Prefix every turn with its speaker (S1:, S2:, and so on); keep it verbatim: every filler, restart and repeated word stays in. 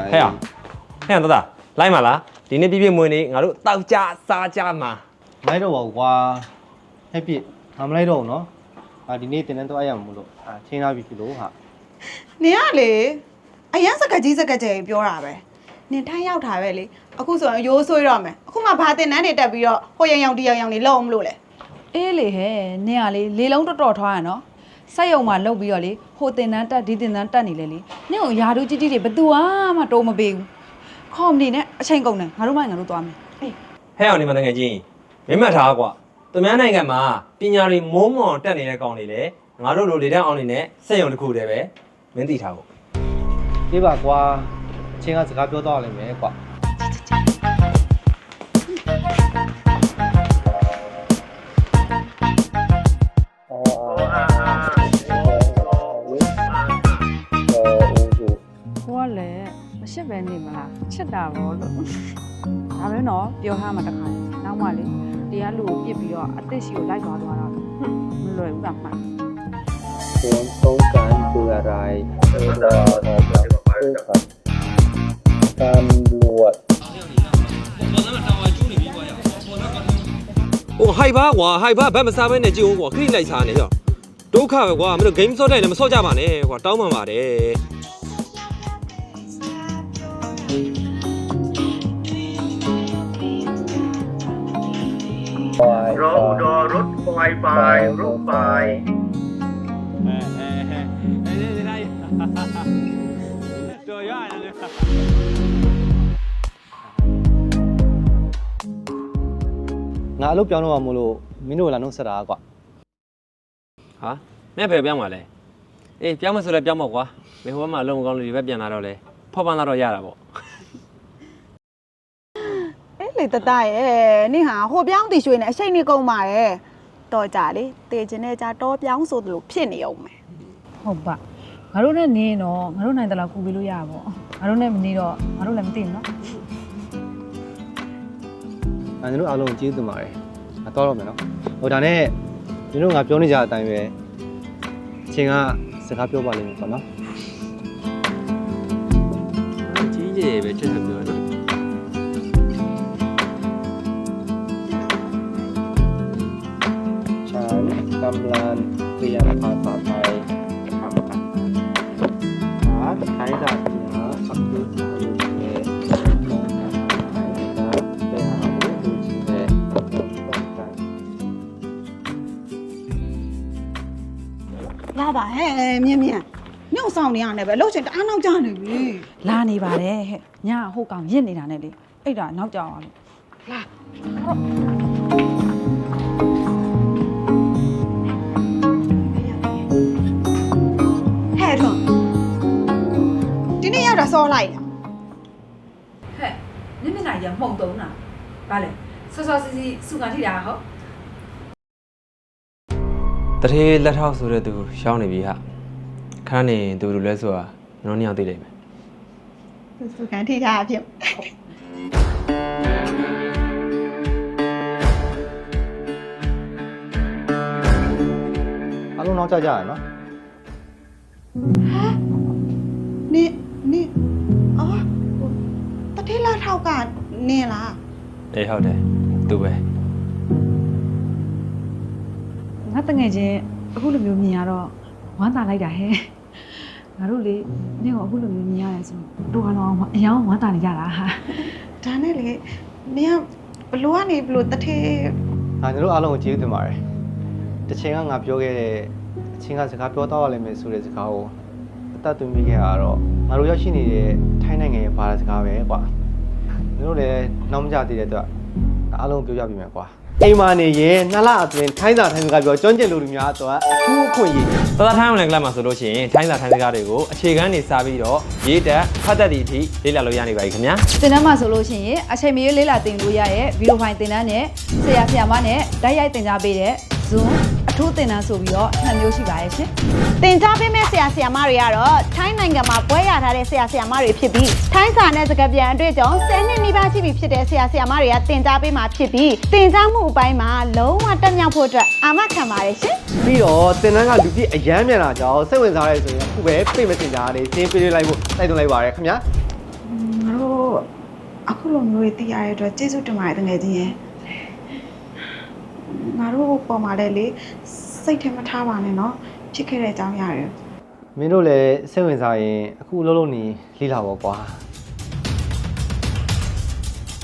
S1: ဟဲ့ဟဲ့တော်သားလိုက်ပါလားဒီနေ့ပြည့်ပြည့်မွေးနေငါတို့တောက်ကြစားကြမှာ
S2: လိုက်တော့ပါကွာဟဲ့ပြည့်ငါမလိုက်တော့ဘူးနော်အာဒီနေ့တင်တန်းတော့အဲ့ရမှာမလို့အာချင်းလာပြီပြီလို့ဟာ
S3: နင်ကလေအရန်စကကြီးစကကြဲပြောတာပဲနင်ထိုင်းရောက်တာပဲလေအခုဆိုရင်ရိုးဆွေးတော့မယ်အခုမှဘာတင်တန်းတွေတက်ပြီးတော့ဟိုยังยังတယောင်ยังနေလုံးမလို့လေ
S4: အေးလေဟဲ့နင်ကလေလေလုံးတော်တော်ထွားရနော်ဆက်ယုံမှာလုတ်ပြီးတော့လေဟိုတင်တန်းတက်ဒီတင်တန်းတက်နေလေလေနင့်ကိုယာတို့ကြီးကြီးတွေဘသူမှတိုးမပေးဘူးခေါမနေနဲ့အချိန်ကုန်တယ်ငါတို့မှငါတို့သွားမယ်ဟေး
S1: ဟဲ့အောင်နေမတကယ်ချင်းမင်းမှတ်ထားကွာသူများနိုင်ငံမှာပညာတွေမိုးမော်တက်နေတဲ့ကောင်တွေလေငါတို့လိုလေတန်းအောင်နေနဲ့စက်ရုံတစ်ခုတည်းပဲမင်းသိထားဖို့
S2: ပြေးပါကွာအချင်းကစကားပြောတော့လိမ့်မယ်ကွာ
S4: ရှစ်ပဲနေမလားချစ်တာဘောလို့ဒါပဲနော်ပြောထားမှတခါနောက်မှလေတရားလူကိုပြစ်ပြီးတော့အသက်ရှိကိုလိုက်သွားသွားတော့မလွယ်ဘူးကမှန်
S5: ควรต้องการคืออะไรเออรอรอแบบเออครับตำรวจ
S1: โอ้ไฮบ้าကွာไฮบ้าဘက်မစားဘဲနဲ့ကြည့်ဦးကွာခရိလိုက်စားနေရောဒုက္ခပဲကွာမင်းတို့ game ဆော့တိုင်းလည်းမဆော့ကြပါနဲ့ကွာတောင်းပန်ပါတယ်
S5: รถอุดรรถไฟไปรถไฟ
S1: เออเออเออได้ตัวย่อยเลย
S2: ငါအလုပ်ပြောင်းတော့မှမလို့မင်းတို့လာနှုတ်ဆက်တာကွာ
S1: ဟာနဲ့ဖယ်ပြောင်းပါလဲအေးပြောင်းမဆိုလဲပြောင်းပါကွာမင်းဟိုဘက်မှာအလုံးမကောင်းလို့ဒီဘက်ပြန်လာတော့လဲဖောက်ပန်းလာတော့ရတာပေါ့
S3: လေတတရဲ့နင်ဟာဟိုပြောင်းတီရွှေနဲ့အရှိန်နေကုန်ပါရဲ့တော်ကြလေတေချင်တဲ့ကြတော့ပြောင်းဆိုသလိုဖြစ်နေအောင်မယ်
S4: ဟုတ်ပါငါတို့နဲ့နေတော့ငါတို့နိုင်တယ်လို့ကူပေးလို့ရပါဘောငါတို့နဲ့မနေတော့ငါတို့လည်းမသိဘူးနော်
S2: အဲတို့အားလုံးကျေးဇူးတင်ပါတယ်ငါတော့တော့မယ်နော်ဟိုဒါနဲ့ဒီတို့ငါပြောနေကြတဲ့အတိုင်းပဲအချင်းကစကားပြောပါလိမ့်မယ်ပေါ့နော်
S1: ကြီးကြီးပဲချက်ချက်ပြောနော်
S5: กำลังเรียนภาษาไทยครับหาใช้ดาบเหนือสักยุทธ์อายุเมย์มองหาใครนะไปหาผู้ดูชิเมย์ต้องการ
S3: လာပါဟဲ့မြင်မြင်ညှို့ဆောင်နေရတယ်ပဲလှုပ်ချင်တအားနောက်ကျနေပြီ
S4: လာနေပါတယ်ဟဲ့ညဟိုကောင်ရစ်နေတာနဲ့လေအဲ့ဒါနောက်ကြောင်အောင်
S3: လာဒီနေ့ရောက်တာစောလိုက်တာ
S4: ဟဲ့နင်းမျက်နှာကြီးကမှုံတုံးတာဗါလဲဆော့ဆော့စီစီစုကန်ထိတာဟုတ်
S1: တထေးလက်ထောက်ဆိုတဲ့သူရှောင်းနေပြီဟာခဏနေသူလူလဲဆိုတာကျွန်တော်နှစ်ယောက်သိလိမ့်မယ်
S3: စုကန်ထိတာအဖြစ်
S2: အားလုံးနောက်ကျကြရနော်
S3: နေနေအော်တတိလာထောက်ကနေလား
S1: အေးဟုတ်တယ်သူပဲ
S4: ငါတငယ်ချင်းအခုလိုမျိုးမြင်ရတော့ဝမ်းသာလိုက်တာဟဲ့ငါတို့လေနင့်ကိုအခုလိုမျိုးမြင်ရတယ်ဆိုတော့ကတော့အယောင်ဝမ်းသာနေကြတာဟာ
S3: ဒါနဲ့လေနင်ကဘလို့ကနေဘလို့တထေး
S2: ငါတို့အားလုံးကိုကျေးဇူးတင်ပါတယ်တချင်ကငါပြောခဲ့တဲ့အချင်းကစကားပြောတော့ရလိမ့်မယ်ဆိုတဲ့စကားကိုအသက်သွင်းမိခဲ့တာတော့ငါတို့ရောက်ရှိနေတဲ့ထိုင်းနိုင်ငံရဲ့ဘာသာစကားပဲကွာတို့လည်းနောက်မကြသေးတဲ့အတွက်အားလုံးပြောပြပြမယ်ကွာအိမ်မာနေရင်နှစ်လအတွင်းထိုင်းစာထိုင်းစကားပြောကျွမ်းကျင်လူတွေများအတွက်အထူးအခွင့်အရေး
S1: တော်တော်ထိုင်းအောင်လည်းကလပ်မှာဆိုလို့ရှိရင်ထိုင်းစာထိုင်းစကားတွေကိုအခြေခံနေစားပြီးတော့ရေးတက်ဖတ်တတ်သည့်အထိလေ့လာလို့ရနေပါပြီခင်ဗျာ
S4: သင်တန်းမှာဆိုလို့ရှိရင်အချိန်မရွေးလေ့လာသင်လို့ရရဲ့ဗီဒီယိုဖိုင်သင်တန်းနဲ့ဆရာဆရာမနဲ့ဓာတ်ရိုက်သင်ကြားပေးတဲ့ Zoom အထူးသင်တန်းဆိုပြီးတော့နှစ်မျိုးရှိပါရဲ့ရှင်
S3: သင်ကြားပေးမဲ့ဆရာဆရာမတွေကတော့ထိုင်းနိုင်ငံမှာပွဲရထားတဲ့ဆရာဆရာမတွေဖြစ်ပြီးထိုင်းစာနဲ့စကားပြန်အတွေ့အကြုံဆယ်နှစ်နီးပါးရှိပြီဖြစ်တဲ့ဆရာဆရာမတွေကသင်ကြားပေးမှာဖြစ်ပြီးသင်ကြားမှုအပိုင်းမှာလုံးဝတက်မြောက်ဖို့အတွက်အာမခံပါတယ်ရှင်
S2: ပြီးတော့သင်တန်းကလူပြည့်အရမ်းမြန်လာကြောင်းစိတ်ဝင်စားရဲဆိုရင်အခုပဲပြေမစင်ကြရတယ်သင်ပေးလိုက်ဖို့တိုက်တွန်းလိုက်ပါရခင်ဗျာ
S4: တို့အခုလိုမျိုးတွေသိရတဲ့အတွက်ကျေးဇူးတင်ပါတယ်တကယ်ချင်းရဲ့ငါတို့ပေါ်မှာလည်းလေစိတ်ထဲမထားပါနဲ့နော်ဖြစ်ခဲ့တဲ့အကြောင်းရတယ်
S2: မင်းတို့လည်းစိတ်ဝင်စားရင်အခုအလုပ်လုပ်နေလိလာပါကွာ